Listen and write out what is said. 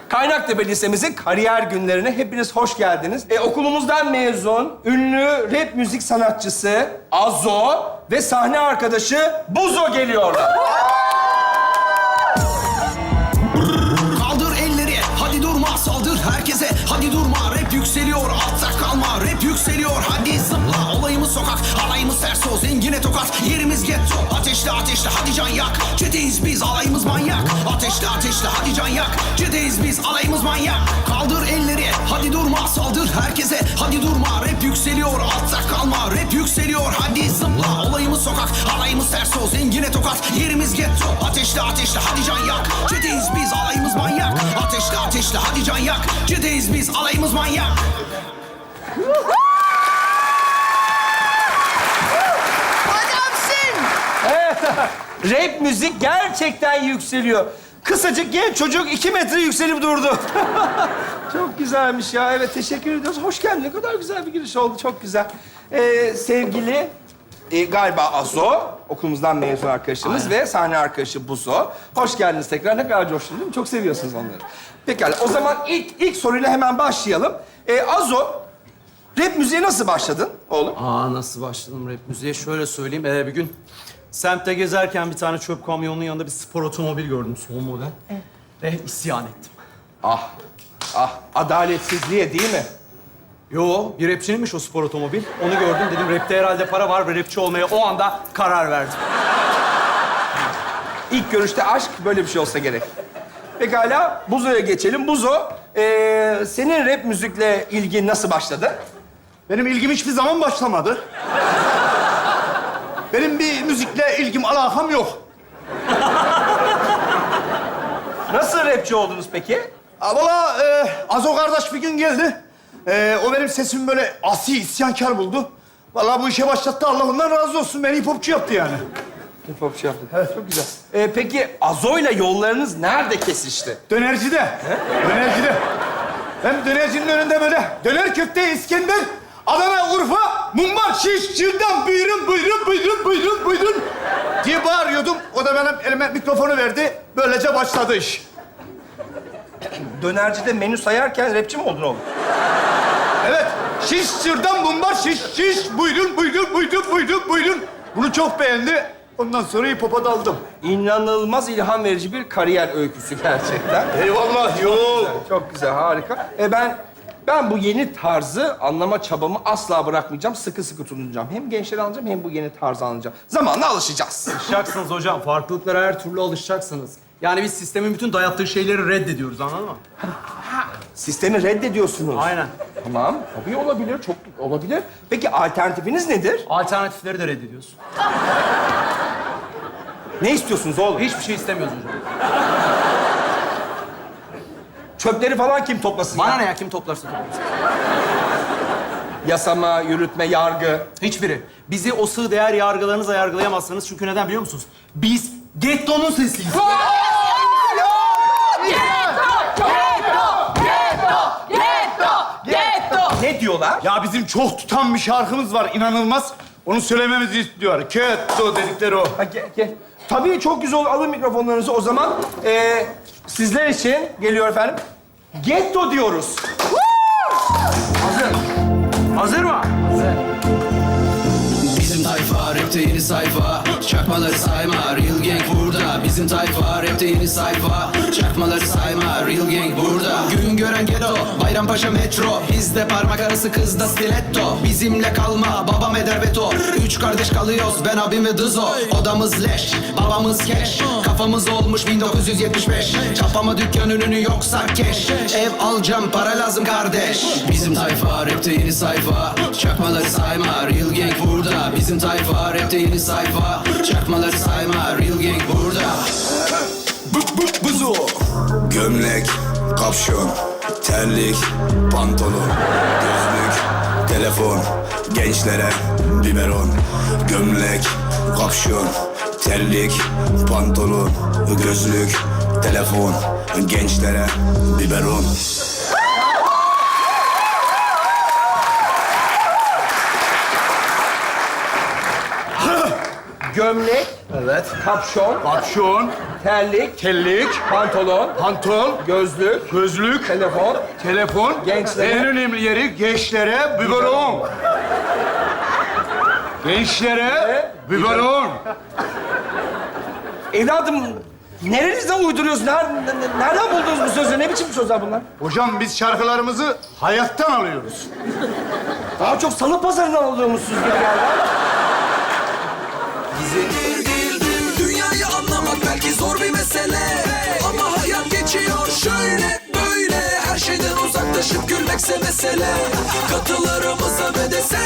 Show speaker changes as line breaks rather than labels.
Kaynaktepe Lisemizin kariyer günlerine hepiniz hoş geldiniz. Okulumuzdan mezun, ünlü rap müzik sanatçısı Azo ve sahne arkadaşı Buzo geliyorlar.
Kaldır elleri, hadi durma, saldır herkese, hadi durma. Rap yükseliyor, altta kalma, rap yükseliyor, hadi zıpla. Olayımız sokak, alayımız ters o, zengine tokat, yerimiz getto. Ateşle ateşle, hadi can yak, çeteyiz biz, alayımız manyak. Ateşle ateşle, hadi can yak, çeteyiz biz, alayımız manyak. Kaldır elleri, hadi durma, saldır herkese, hadi durma. Rap yükseliyor, altta kalma, rap yükseliyor, hadi zıpla. Olayımız sokak, alayımız ters o, zengine tokat, yerimiz getto. Ateşle ateşle, hadi can yak, çeteyiz biz, alayımız manyak. Ateşle ateşle, hadi can yak, çeteyiz biz, alayımız manyak.
Adamsın.
Rap müzik gerçekten yükseliyor. Kısacık genç çocuk 2 metre yükselip durdu. Çok güzelmiş ya. Evet, teşekkür ediyoruz. Hoş geldin. Ne kadar güzel bir giriş oldu. Çok güzel. Sevgili galiba Azo, okulumuzdan mezun arkadaşımız ve sahne arkadaşı Buzo. Hoş geldiniz tekrar. Ne kadar coştun değil mi? Çok seviyorsunuz onları. Pekala. O zaman ilk soruyla hemen başlayalım. Azo, rap müziğe nasıl başladın oğlum?
Nasıl başladım rap müziğe? Şöyle söyleyeyim. Bir gün semtte gezerken bir tane çöp kamyonunun yanında bir spor otomobil gördüm. Son model. Evet. Ve isyan ettim.
Ah, adaletsizliğe değil mi?
Yo, bir rapçininmiş o spor otomobil. Onu gördüm. Dedim rapte herhalde para var ve rapçi olmaya o anda karar verdim.
İlk görüşte aşk böyle bir şey olsa gerek. Pekala, Buzo'ya geçelim. Buzo, senin rap müzikle ilgin nasıl başladı?
Benim ilgim hiçbir zaman başlamadı. Benim bir müzikle ilgim, alakam yok.
Nasıl rapçi oldunuz peki?
Valla Azo kardeş bir gün geldi. O benim sesimi böyle asi, isyankar buldu. Vallahi bu işe başlattı. Allah ondan razı olsun. Beni hip hopçu yaptı yani.
Hip hopçu yaptın. Evet, çok güzel. Peki Azo'yla yollarınız nerede kesişti?
Dönercide. Dönercide. Ben dönercinin önünde böyle döner köfte İskender, Adana, Urfa, mumbar, şiş, şırdan, buyurun, buyurun, buyurun, buyurun, buyurun diye bağırıyordum. O da benim elime mikrofonu verdi. Böylece başladı iş.
Dönercide menü sayarken rapçi mi oldun oğlum?
Evet. Şiş, şırdan, mumbar, şiş, şiş. Buyurun, buyurun, buyurun, buyurun, buyurun. Bunu çok beğendi. Ondan sonra hip hop'a daldım.
İnanılmaz ilham verici bir kariyer öyküsü gerçekten.
Eyvallah, yok.
Çok güzel, harika. Ben bu yeni tarzı anlama çabamı asla bırakmayacağım. Sıkı sıkı tutunacağım. Hem gençleri alacağım hem bu yeni tarzı alacağım. Zamanla alışacağız.
Alışacaksınız hocam. Farklılıklara her türlü alışacaksınız. Yani biz sistemin bütün dayattığı şeyleri reddediyoruz, anladın mı?
Sistemi reddediyorsunuz.
Aynen.
Tamam, tabii olabilir, çok olabilir. Peki alternatifiniz nedir?
Alternatifleri de reddediyoruz.
Ne istiyorsunuz oğlum?
Hiçbir şey istemiyoruz hocam.
Çöpleri falan kim toplasın?
Bana
ya?
ne ya? Kim toplarsa toplasın.
Yasama, yürütme, yargı.
Hiçbiri. Bizi o sığ değer yargılarınızla yargılayamazsınız. Çünkü neden biliyor musunuz? Biz gettonun sesiyiz.
Ne diyorlar?
Ya bizim çok tutan bir şarkımız var, inanılmaz. Onu söylememizi istiyor. Ketto dedikleri o.
Ha, gel. Tabii çok güzel olur. Alın mikrofonlarınızı o zaman. Sizler için geliyor efendim. Getto diyoruz.
Hazır. Hazır mı?
Bizim tayfa rapte yeni sayfa, çakmaları sayma, real gang burada. Bizim tayfa rapte yeni sayfa, çakmaları sayma, real gang burada. Gün gören ghetto, Bayrampaşa metro, bizde parmak arası kızda stiletto. Bizimle kalma, babam eder veto. 3 kardeş kalıyoruz, ben abim ve Dızo. Odamız leş, babamız keş, kafamız olmuş 1975. Çapama dükkan ününü yoksa keş, ev alacağım para lazım kardeş. Bizim tayfa rapte yeni sayfa, çakmaları sayma, real gang burada. Bizim tayfa rapte yeni sayfa, çakmaları sayma, real gang burada.
Buzo. Gömlek, kapşon, terlik, pantolon, gözlük, telefon, gençlere biberon. Gömlek, kapşon, terlik, pantolon, gözlük, telefon, gençlere biberon.
Gömlek,
Evet.
kapşon,
Kapşon,
terlik,
Kellik,
pantolon,
pantol,
gözlük,
gözlük,
telefon.
telefon.
Gençlere.
En önemli yeri gençlere biberon. Gençlere biberon.
Evladım, nerenizden uyduruyorsun? Nereden buldunuz bu sözleri? Ne biçim sözler bunlar?
Hocam biz şarkılarımızı hayattan alıyoruz.
Daha çok salı pazarından alıyormuşsunuz gibi geldi.
Dünyayı anlamak belki zor bir mesele, ama hayat geçiyor şöyle böyle. Her şeyden uzaklaşıp gülmekse mesele. Katılarımıza ve de sen